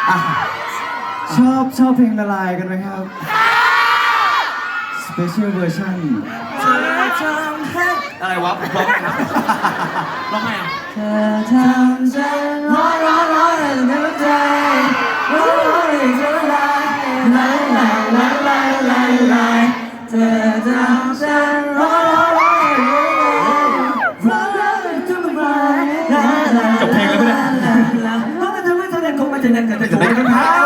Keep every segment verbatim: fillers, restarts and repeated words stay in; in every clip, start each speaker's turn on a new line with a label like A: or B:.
A: อ่ะชอบชอบเพลงละลายกันไหมครับ Special Version
B: เธอทำให้อะไรวะร้องไงนะร้องไงอ่ะ
C: เธอทำฉันร้อนร้อนร้อนในหัวใจร้อนร้อนในหัวใจลายลายลายลายลายลายเธอทำฉันร้อนร้อนร้อนในหัวใจร้อนร้อนในทุกวันลาลา
A: จบเพลงแล้วเนี่ย
C: ลาเพราะมันทำให้เธอได้คงมาจะได้กันแต่โดนกันเท้า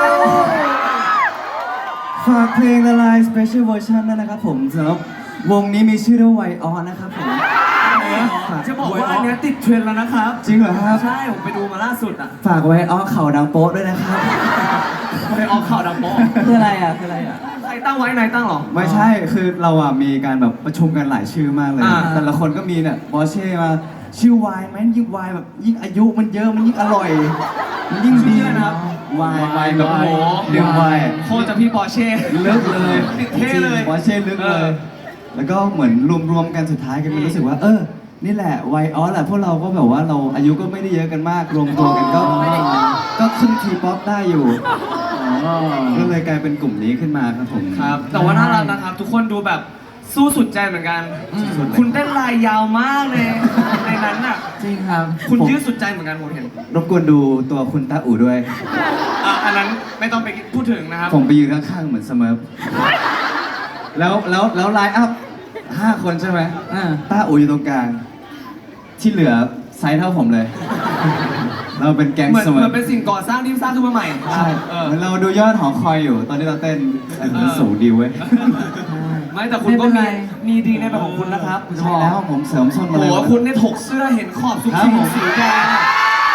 A: ฝากเพลงละลาย Special Version ด้วยนะครับผมสำหรับวงนี้มีชื่อว่าไวออนนะครับผม
B: จะบอกว่าอันเนี้ยติดเทรนด์แล้วนะครับ
A: จริงเหรอครับ
B: ใช่ผมไปดูมาล่าสุดอ่ะ
A: ฝากไวออนเข่าดังโป๊ะด้วยนะครับ
B: ไปออกข่าวดังโป๊ะ
C: คืออะไรอ่ะคืออะไรอ่ะ
B: ใครตั้งไว้นายตั้งเหรอ
A: ไม่ใช่คือเราอ่ะมีการแบบประชุมกันหลายชื่อมากเลย
B: อ่า
A: แต่ละคนก็มีเนี่ยบอเช่มาชื่อวายไหมยิ่งวายแบบยิ่งอายุมันเยอะมันยิ่งอร่อยมันยิ่งดี
B: ชื่ออะไรนะครับ
A: วายวายแบบ
B: โอ้โห
A: ดื่มวาย
B: โคตรจะพี่ปอร์เช่
A: ลึกเลย
B: ติดเท่เลย
A: บอเช่ลึกเล
B: เอย อ
A: แล้วก็เหมือนรวมๆกันสุดท้ายกันมันรู้สึกว่า เออ นี่แหละวัยออสแหละพวกเราก็แบบว่าเราอายุก็ไม่ได้เยอะกันมากรวมตัวกันก็ก็ขึ้นทีป๊อปได้อยู่ก็เลยกลายเป็นกลุ่มนี้ขึ้นมาครับผม
B: ครับ แต่ว่าน่ารักนะครับ ทุกคนดูแบบสู้สุดใจเหมือนกัน
A: สุดเลย
B: คุณเต้นลายยาวมากเลย ในนั้นน่ะ
C: จริงครับ
B: คุณยืดสุดใจเหมือนกันผมเห็น
A: รบกวนดูตัวคุณตาอู่ด้วย
B: อ่ะอันนั้นไม่ต้องไปพูดถึงนะครับ
A: ผมไปยืนข้างๆเหมือนเสมอแล้วแล้วแล้วไลน์อัพห้าคนใช่ไหม
C: อ่า
A: ตาอู่อยู่ตรงกลาง ที่เหลือไซส์เท่าผมเลย เราเป็นแก๊ง
B: เหมือน
A: เสม
B: เหมื
A: อ
B: อนเป็นสิ่งก่อสร้างที่สร้างขึ้นมาใหม่
A: ใช่
B: เออ
A: เหมือนเราดูยอดหอคอยอยู่ ตอนที่เราเต้นแต่มันสูงดีเว้ย
B: ไม่แต่คุณก็
C: ไม่
B: มี
C: เป็นไร
B: มีดีในแบบของคุณนะครับ
A: ใช่แล้วผมเสริมส้น
B: โอ้
A: มา
B: โห
A: เลย
B: คุณเนี่ยถกเสื้อเห็นขอบซุก
A: ครับ
B: ซิง
A: ผม
B: สีแดงอะ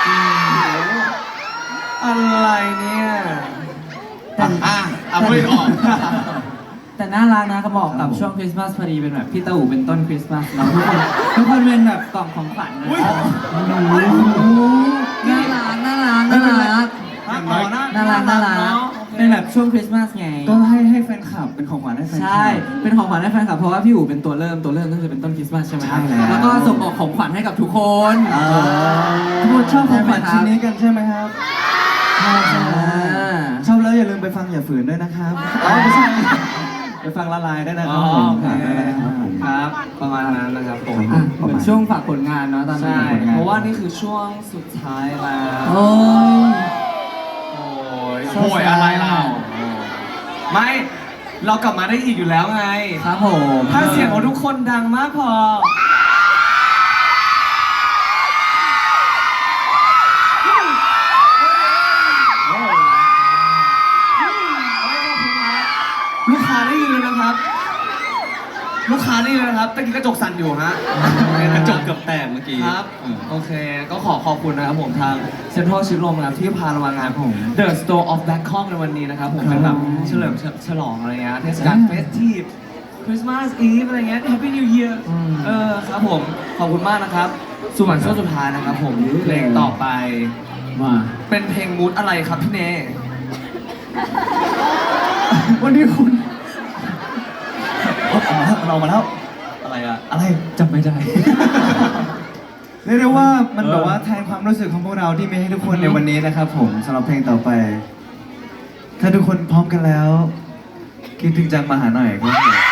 B: อะไรเนี่ย
C: แต่
B: อ่ะอ่ะพูดออก
C: แต่น่ารักนะก็บอกกับช่วงคริสต์มาสพอดีเป็นแบบพี่เต้าอู๋เป็นต้นคริสต์มาสแล้วทุกคนทุกคนเป็นแบบกล่องของขวัญนะ
B: อุ๊ย
C: น่ารักน่ารักน่ารัก
B: อ๋อ
C: น่ารักน่ารัก
B: เอะ
C: เป็นแบบช่วงคริสต์มาสไง
A: ก็ให้ให้แฟนคลับเป็นของขวัญให้แฟนคลับ
C: ใช่ เป็นของขวัญให้แฟนคลับเพราะว่าพี่อู๋เป็นตัวเริ่มตัวเริ่มก็คือเป็นต้นคริสต์มาสใช่ไหม
A: ใช่แล้ว
C: แล้วก็ส่งออกของขวัญให้กับทุกคน
A: เออทุกคนชอบของขวัญชิ้นนี้กันใช่ไหมครับใช่ใช่
C: อ่า
A: ชอบแล้วอย่าลืมไปฟังอย่าฝืนด้วยนะครับอ๋อไม่ใช่ไปฟังละลายด้วยนะค
B: อ๋
A: รั
B: อบ
A: ผม
B: โอเค
A: ครับผม
B: ครับ ประมาณนั้นนะครับผม
C: อ่ะเหมือนช่วงฝากผลงานเนาะตอนนี้
B: ใช่ เพราะว่านี่คือช่วงสุดท้ายแล้ว
C: โอ้ย
B: โอ้ยโอยอะไรเราไม่ เรากลับมาได้อีกอยู่แล้วไง
C: ครับผม
B: ถ้าเสียงของทุกคนดังมากพอ ลูกค้าได้ยินเลยนะครับ ลูกค้าได้ยินเลยนะครับตะกี้กระจกสั่นอยู่ฮะ
A: กระจกเกือบแตกเมื่อกี้
B: ครับ โอเค ก็ขอขอบคุณนะครับผมทางเซ็นทรัลชิดลมนะครับที่พาเรามางานผม The Store of Bangkok ในวันนี้นะครับผมเป็นแบบเฉลิมฉลองอะไรเงี้ยเทศกาลเฟสทีฟคริสต์มาสอีฟอะไรเงี้ย Happy New Year เออครับผม ขอบคุณมากนะครับ สุวรรณช่วงสุดท้ายนะครับผม เพลงต่อไป
C: มา
B: เป็นเพลงมูดอะไรครับพี่เน
A: วันนี้คุณเอามาแล้วมันออกมาแล้ว
B: อะไรอะ
A: อะไร
C: จำไม่ได้
A: เรียกได้ว่ามันแบบว่าแทนความรู้สึกของพวกเราที่มีให้ทุกคนในวันนี้นะครับผมสำหรับเพลงต่อไป ถ้าทุกคนพร้อมกันแล้ว คิดถึงจังมาหาหน่อยครับผม